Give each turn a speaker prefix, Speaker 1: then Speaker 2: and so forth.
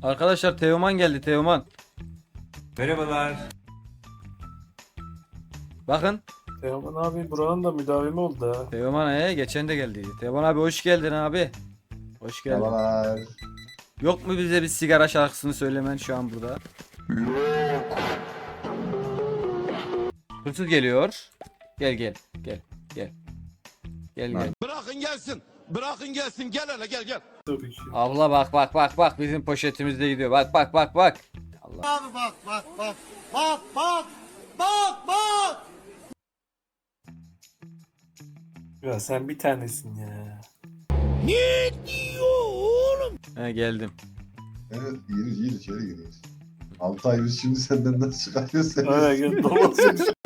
Speaker 1: Arkadaşlar Teoman geldi, Teoman.
Speaker 2: Merhabalar.
Speaker 1: Bakın.
Speaker 3: Teoman abi buranın da müdavimi oldu ha.
Speaker 1: Teoman geçen de geldiydi. Teoman abi hoş geldin abi. Hoş geldin.
Speaker 4: Merhabalar.
Speaker 1: Yok mu bize bir sigara şarkısını söylemen şu an burada? Hırsız geliyor. Gel gel gel gel. Gel gel.
Speaker 5: Bırakın gelsin. Bırakın gelsin. Gel hele gel gel.
Speaker 3: Tabii ki.
Speaker 1: Abla bak bak bak bak bizim poşetimizde gidiyor. Bak bak bak bak. Allah.
Speaker 5: Abi bak bak bak. Bak bak. Bak bak.
Speaker 3: Ya sen bir tanesin ya.
Speaker 1: He geldim.
Speaker 4: Evet gir içeri giriyoruz. 6 ay biz şimdi senden nasıl çıkarıyoruz seni?
Speaker 3: Aynen gel dolaşın.